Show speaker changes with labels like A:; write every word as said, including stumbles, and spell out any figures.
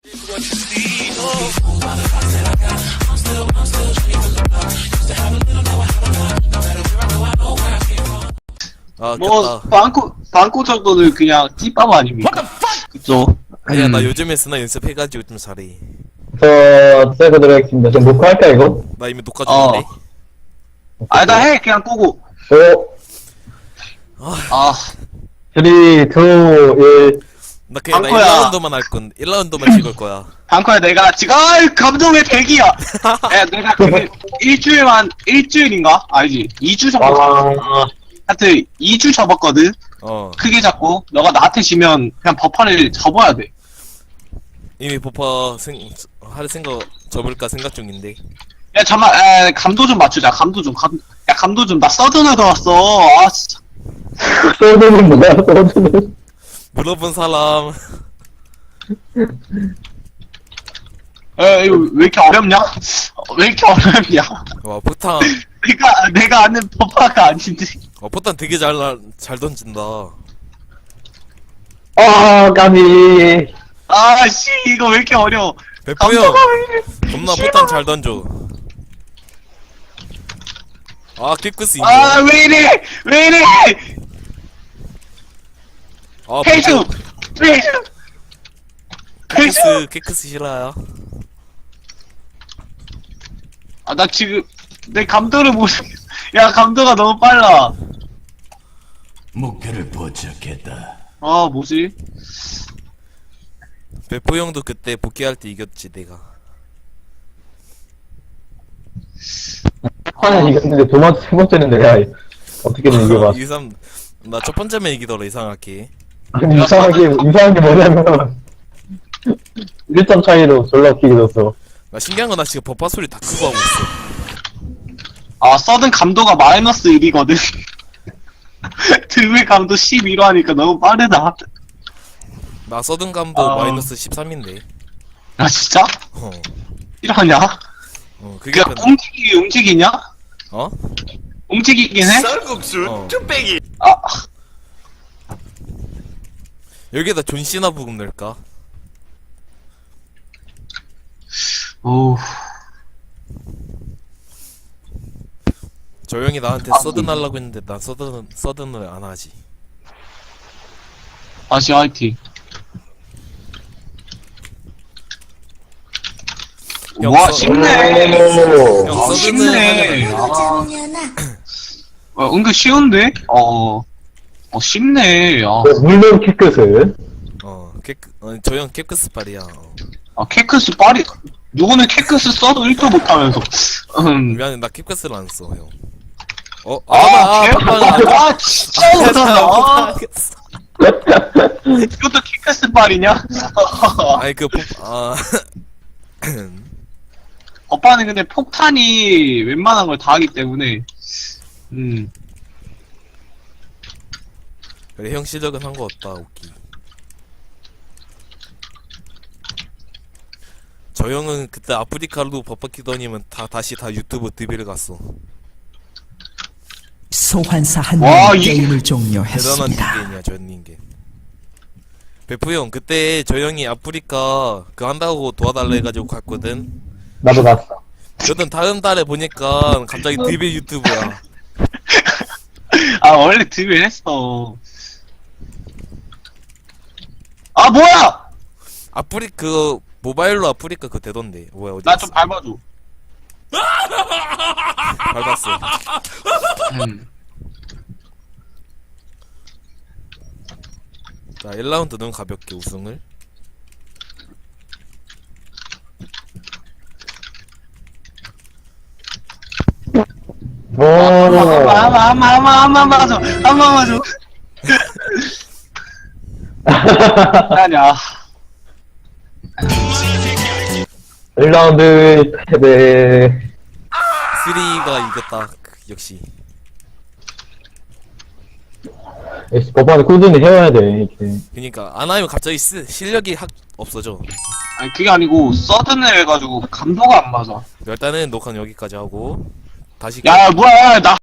A: 아,
B: 뭐
A: 켰다.
B: 방코 방코 정도는 그냥 찐빵 아닙니까? 그쵸?
A: 아니야, 나
B: 음.
A: 요즘에 쓰나 연습해가지고 좀 잘해.
C: 저 세고 들어가겠습니다. 지금 녹화할까 이거?
A: 나 이미 녹화
B: 어.
A: 중인데.
B: 아니다 해 그냥 끄고.
C: 오,
B: 아
C: 삼, 이, 일.
A: 나 그냥 나
B: 방코야.
A: 일 라운드만 할 건, 일 라운드만 찍을 거야.
B: 방코야 내가 지금 아 감동의 대기야. 야 내가 그 일주일만 일주일인가 아니지 이 주 정도 잡았어.
C: 아,
B: 하여튼 이 주 접었거든.
A: 어.
B: 크게 잡고 너가 나한테 지면 그냥 버퍼를 접어야 돼.
A: 이미 보파 생, 할 생각 접을까 생각 중인데.
B: 야 잠만 에 감도 좀 맞추자. 감도 좀 감. 야 감도 좀 나 서든을 넣었어. 아 진짜.
C: 소드는 뭐야, 소드는?
A: 물어본 사람.
B: 에 이거 왜 이렇게 어렵냐? 어, 왜 이렇게 어렵냐?
A: 와, 포탄.
B: 내가 내가 아는 버퍼가 아닌데.
A: 어, 포탄 되게 잘, 날- 잘 던진다.
C: 아, 까비.
B: 아씨 이거 왜 이렇게 어려워.
A: 베프 형,
B: 감도가 왜 이래.
A: 겁나
B: 싫어.
A: 포탄 잘 던져. 아, 킥크스 인정.
B: 아 왜 이래 왜 이래.
A: 아,
B: 페이스
A: 보고
B: 페이스 페이스.
A: 킥크스, 킥크스 싫어요.
B: 아 나 지금 내 감도를 못. 야 감도가 너무 빨라.
D: 목표를 포착했다.
B: 아 뭐지?
A: 베프 형도 그때 복귀할 때 이겼지, 내가.
C: 하나 이겼는데 두 번째, 세 번째는 내가 어떻게든 이겨봐.
A: 이삼, 나 첫 번째면 이기더라, 이상하게.
C: 아니, 이상하게, 이상한 게 뭐냐면, 일 점 차이로 졸라 웃기게 졌어.
A: 나 신기한 건 나 지금 버파 소리 다 끄고 하고 있어.
B: 아 서든 감도가 마이너스 일이거든. 드물 감도 십이로 하니까 너무 빠르다.
A: 나 서든감도
B: 아.
A: 마이너스 십삼인데.
B: 아 진짜?
A: 어,
B: 이러냐?
A: 어, 그게
B: 야
A: 편,
B: 움직이 움직이냐?
A: 어?
B: 움직이긴 해?
D: 쌀국수
A: 어.
D: 뚝배기.
B: 아
A: 여기에다 존시나 부금 넣을까?
B: 오.
A: 저 형이 나한테
B: 아,
A: 서든 하려고 했는데 난 서든, 서든을 안 하지.
B: 다시 화이팅.
A: 형,
B: 와
A: 서-
B: 쉽네.
C: 오.
A: 형
B: 아,
A: 서든을
B: 쉽네.
A: 하려면
B: 아, 어, 은근 쉬운데? 어. 어 쉽네. 아,
C: 물론 키끝을.
A: 어, 케크, 어, 저 형 케크스 팔이야. 어.
B: 아 케크스 빨리. 누구는 케크스 써도 일 도 못하면서. 음.
A: 미안해, 나 케크스를 안 써, 형. 어?
B: 아,
A: 아,
B: 개.
A: 아,
B: 아, 진짜 못한다.
A: 알겠어.
B: 이것도 케크스 빨이냐?
A: 아니, 그, 복, 아.
B: 오빠는 근데 폭탄이 웬만한 걸 다 하기 때문에. 음.
A: 그래, 형 실력은 한 거 없다, 오키. 저 형은 그때 아프리카로 버퍼키더니면 다, 다시 다 유튜브 드비를 갔어.
E: 소환사 한
B: 와,
E: 명이
B: 이게-
E: 게임을
A: 대단한
E: 종료했습니다.
A: 닌겐이야, 저 닌겐. 베프 형, 그때 저 형이 아프리카 그 한다고 도와달라 해가지고 갔거든.
C: 나도 갔어.
A: 저는 다음 달에 보니까 갑자기 드빌 유튜브야.
B: 아, 원래 드빌 했어. 아, 뭐야!
A: 아프리 그 모바일로 아프리카 그 되던데. 뭐야 어디?
B: 나 좀 밟아줘.
A: 밟았어.
B: 음.
A: 자, 일 라운드는 가볍게 우승을.
C: 오.
B: 한번, 한번, 한번, 한번 맞아. 한번 맞아. 아니야.
C: 일 라운드 패배.
A: 쓰리가 이겼다. 역시.
C: 역시 법안을 꾸준히 해와야 돼, 이렇게.
A: 그니까 안 하면 갑자기 쓰, 실력이 확 없어져.
B: 아니, 그게 아니고, 서든을 해가지고, 감도가 안 맞아.
A: 일단은 녹화는 여기까지 하고 다시.
B: 야, 뭐야, 나